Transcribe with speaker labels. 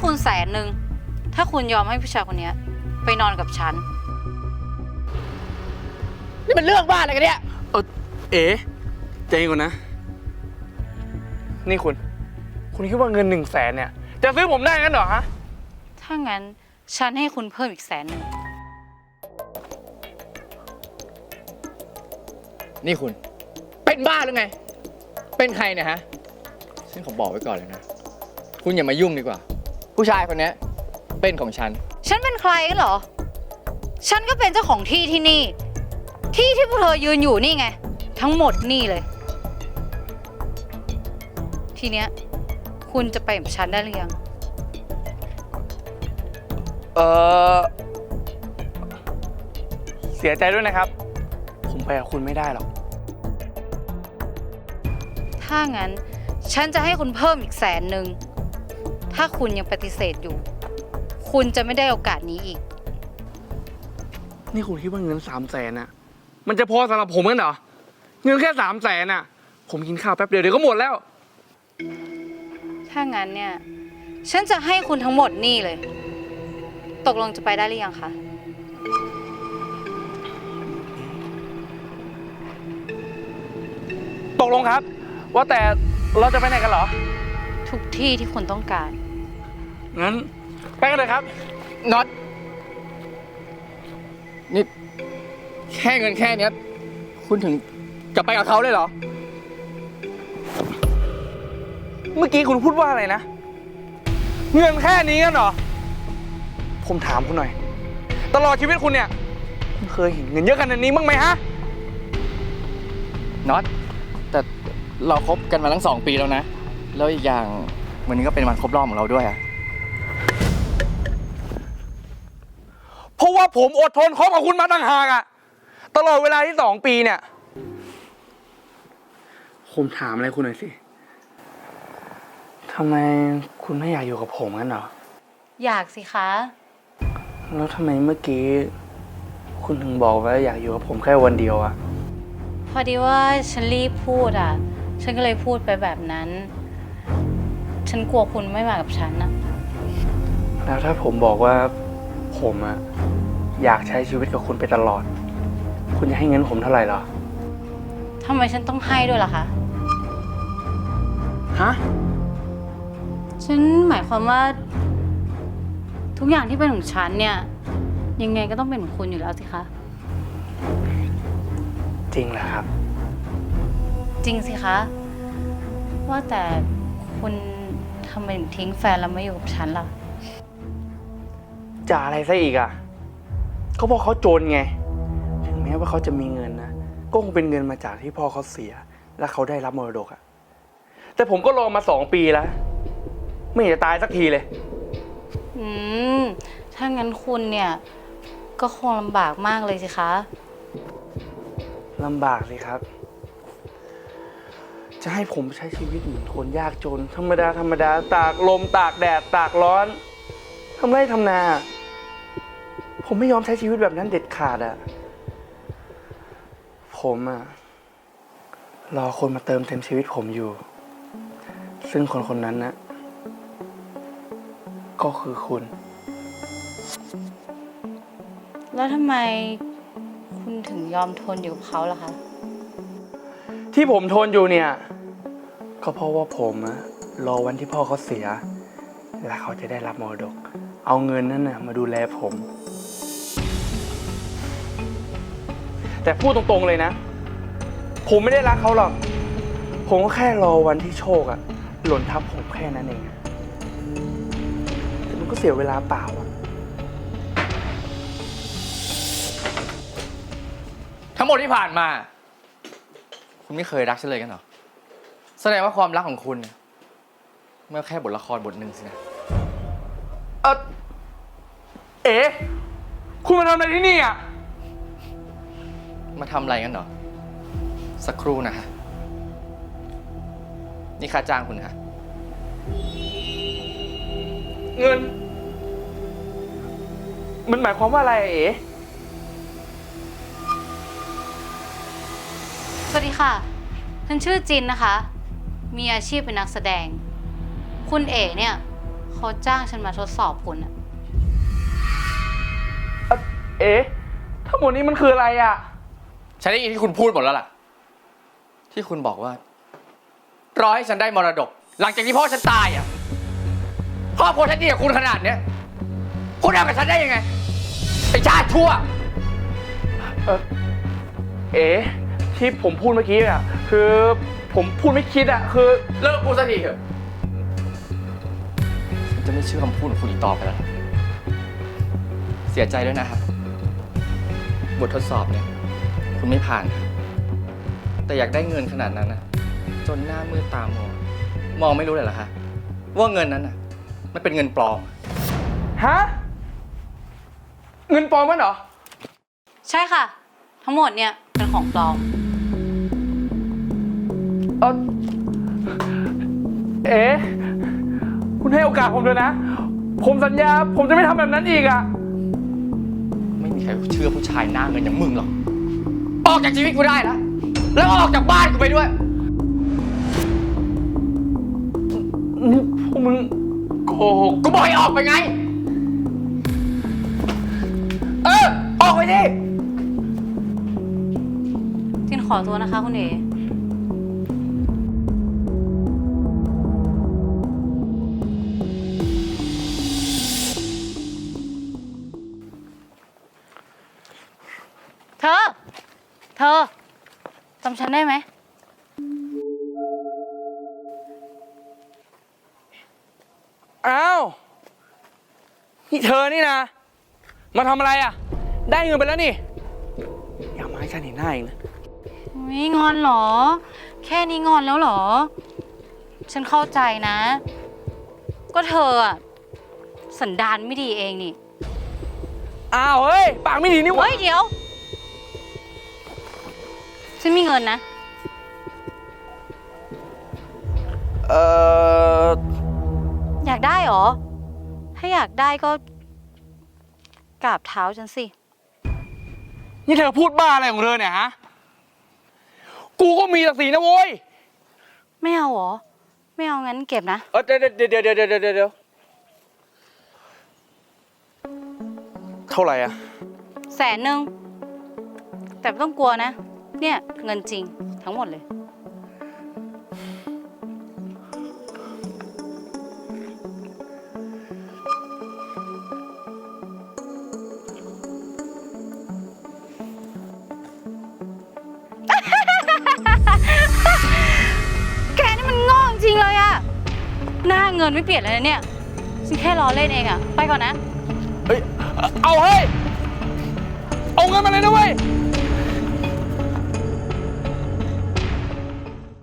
Speaker 1: คุณ100,000ถ้าคุณยอมให้ผู้ชายคนนี้ไปนอนกับฉัน
Speaker 2: นี่มันเรื่องบ้าอะไรกันเนี่ย
Speaker 3: เอ๋ใจเย็นก่อนนะนี่คุณคิดว่าเงิน100,000เนี่ยจะซื้อผมได้งั้นเหรอฮะ
Speaker 1: ถ้างั้นฉันให้คุณเพิ่มอีก100,000
Speaker 2: นี่คุณเป็นบ้าหรือไงเป็นใครเนี่ยฮะฉันขอบอกไว้ก่อนเลยนะคุณอย่ามายุ่งดีกว่าผู้ชายคนนี้เป็นของฉัน
Speaker 1: เป็นใครกันเหรอฉันก็เป็นเจ้าของที่ที่นี่ที่พวกเธอยืนอยู่นี่ไงทั้งหมดนี่เลยทีเนี้ยคุณจะไปกับฉันได้หรือยัง
Speaker 3: เสียใจด้วยนะครับผมไปกับคุณไม่ได้หรอก
Speaker 1: ถ้างั้นฉันจะให้คุณเพิ่มอีก100,000ถ้าคุณยังปฏิเสธอยู่คุณจะไม่ได้โอกาสนี้อีก
Speaker 3: นี่คุณคิดว่าเงิน300,000น่ะมันจะพอสำหรับผมกันเหรอเงินแค่300,000น่ะผมกินข้าวแป๊บเดียวก็หมดแล้ว
Speaker 1: ถ้างั้นเนี่ยฉันจะให้คุณทั้งหมดนี่เลยตกลงจะไปได้หรือยังคะ
Speaker 3: ตกลงครับว่าแต่เราจะไปไหนกันเหรอ
Speaker 1: ทุกที่ที่คุณต้องการ
Speaker 3: งั้นไปกันเลยครับ
Speaker 2: น็อตนี่แค่เงินแค่นี้คุณถึงจะไปกับเขาเลยเหรอ
Speaker 3: เมื่อกี้คุณพูดว่าอะไรนะเงินแค่นี้กันเหรอผมถามคุณหน่อยตลอดชีวิตคุณเนี่ยคุณเคยเห็นเงินเยอะขนาดนี้บ้างไหมฮะ
Speaker 2: น็อตแต่เราคบกันมาตั้ง2 ปีแล้วนะแล้วอีกอย่างวันนี้ก็เป็นวันครบรอบของเราด้วยอะ
Speaker 3: เพราะว่าผมอดทนคบกับคุณมาต่างหากอะตลอดเวลาที่2 ปีเนี่ยผมถามอะไรคุณหน่อยสิทำไมคุณไม่อยากอยู่กับผมงั้นเหรอ
Speaker 1: อยากสิคะ
Speaker 3: แล้วทำไมเมื่อกี้คุณถึงบอกว่าอยากอยู่กับผมแค่วันเดียวอะ
Speaker 1: พอดีว่าฉันรีบพูดอ่ะฉันก็เลยพูดไปแบบนั้นฉันกลัวคุณไม่มากับฉันนะ
Speaker 3: แล้วถ้าผมบอกว่าผมอะอยากใช้ชีวิตกับคุณไปตลอดคุณจะให้เงินผมเท่าไหร่เหรอ
Speaker 1: ทำไมฉันต้องให้ด้วยล่ะคะ
Speaker 3: ฮะ
Speaker 1: ฉันหมายความว่าทุกอย่างที่เป็นของฉันเนี่ยยังไงก็ต้องเป็นของคุณอยู่แล้วสิคะ
Speaker 3: จริงเหรอครับ
Speaker 1: จริงสิคะว่าแต่คุณทำไมถึงทิ้งแฟนแล้วมาอยู่กับฉันล่ะ
Speaker 3: จะอะไรซะอีกอ่ะก็เพราะเขาจนไงถึงแม้ว่าเขาจะมีเงินนะก็คงเป็นเงินมาจากที่พ่อเขาเสียและเขาได้รับมรดกอ่ะแต่ผมก็รอมา2 ปีแล้วไม่เห็นจะตายสักทีเลย
Speaker 1: ถ้างั้นคุณเนี่ยก็คงลำบากมากเลยสิคะ
Speaker 3: ลำบากสิครับจะให้ผมใช้ชีวิตเหมือนคนยากจนธรรมดาตากลมตากแดดตากร้อนทำไร่ทำนาผมไม่ยอมใช้ชีวิตแบบนั้นเด็ดขาดอ่ะผมอ่ะรอคนมาเติมเต็มชีวิตผมอยู่ซึ่งคนนั้นนะก็คือคุณ
Speaker 1: แล้วทำไมคุณถึงยอมทนอยู่กับเขาล่ะคะ
Speaker 3: ที่ผมทนอยู่เนี่ยก็เพราะว่าผมอะรอวันที่พ่อเขาเสียและเขาจะได้รับมรดกเอาเงินนั้นนะมาดูแลผมแต่พูดตรงๆเลยนะผมไม่ได้รักเขาหรอกผมก็แค่รอวันที่โชคอะหล่นทับผมแค่นั้นเองแต่มันก็เสียเวลาเปล่าอะ
Speaker 2: ทั้งหมดที่ผ่านมาคุณไม่เคยรักฉันเลยกันเหรอแสดงว่าความรักของคุณเนี่ยเมื่อแค่บทละครบทหนึ่งสินะ
Speaker 3: เอ๋คุณมาทำอะไรที่นี่อ่ะ
Speaker 2: มาทำอะไรกันเหรอสักครู่นะฮะนี่ค่าจ้างคุณฮะ
Speaker 3: เงินมันหมายความว่าอะไรเอ๋
Speaker 1: สวัสดีค่ะฉันชื่อจินนะคะมีอาชีพเป็นนักแสดงคุณเอ๋เนี่ยเขาจ้างฉันมาทดสอบคุณอะ
Speaker 3: เอ๊ะทั้งหมดนี้มันคืออะไรอ่ะ
Speaker 2: ฉันได้ยินที่คุณพูดหมดแล้วล่ะ ที่คุณบอกว่ารอให้ฉันได้มรดก หลังจากที่พ่อฉันตายอ่ะครอบครัวฉันดีกับคุณขนาดเนี้ยคุณทำกับฉันได้ยังไงไอ้ชาติชั่ว
Speaker 3: เอ๊ะที่ผมพูดเมื่อกี้อ่ะ คือผมพูดไม่คิดอ่ะ คือ
Speaker 2: เลิกพูดสักทีเถอะฉันจะไม่เชื่อคำพูดของคุณอีกต่อไปแล้ว เสียใจด้วยนะครับ บททดสอบเนี่ย คุณไม่ผ่านครับแต่อยากได้เงินขนาดนั้นนะจนหน้ามืดตามัวมองไม่รู้เลยเหรอคะว่าเงินนั้นน่ะ มันเป็นเงินปลอม
Speaker 3: ฮะ เงินปลอมมั้ยเหรอ
Speaker 1: ใช่ค่ะ ทั้งหมดเนี่ยเป็นของปลอม
Speaker 3: เอ๊ะคุณให้โอกาสผมเลยนะ ผมสัญญา ผมจะไม่ทำแบบนั้นอีกอ่ะ
Speaker 2: ไม่มีใครเชื่อผู้ชายหน้าเงินอย่างมึงหรอก ออกจากชีวิตกูได้แล้วแล้วออกจากบ้านกูไปด้วย
Speaker 3: นี่พวกมึงโกหก
Speaker 2: กูบอกให้ออกไปไง ออกไปดิ
Speaker 1: จินขอตัวนะคะคุณเอ เธอจำฉันได้ไหม
Speaker 3: อ้าว นี่เธอนี่นะ มาทำอะไรอ่ะ ได้เงินไปแล้วนี่ อย่ามาให้ฉันเห็นหน้าอีกนะ
Speaker 1: ไม่งอนเหรอ แค่นี้งอนแล้วเหรอ ฉันเข้าใจนะ ก็เธออะสันดานไม่ดีเองนี่
Speaker 3: อ้าว เฮ้ย ปากไม่ดีนี่หวะ
Speaker 1: เฮ้ยเดี๋ยว ฉันมีเงินนะ อยากได้เหรอ ถ้าอยากได้ก็กราบเท้าฉันสิ
Speaker 3: นี่เธอพูดบ้าอะไรของเธอเนี่ยฮะ กูก็มีศักดิ์ศรีนะโว้ย
Speaker 1: ไม่เอาเหรอ ไม่เอางั้นเก็บนะ
Speaker 3: เดี๋ยวเท่าไหร่อ่ะ
Speaker 1: 100,000แต่ไม่ต้องกลัวนะ เนี่ยเงินจริงทั้งหมดเลย แกนี่มันโง่จริงเลยอะหน้าเงินไม่เปลี่ยนเลยนะเนี่ยฉันแค่ล้อเล่นเองอะไปก่อนนะ
Speaker 3: เฮ้ย เอาเฮ้ย เอาเงินมาเลยนะเว้ย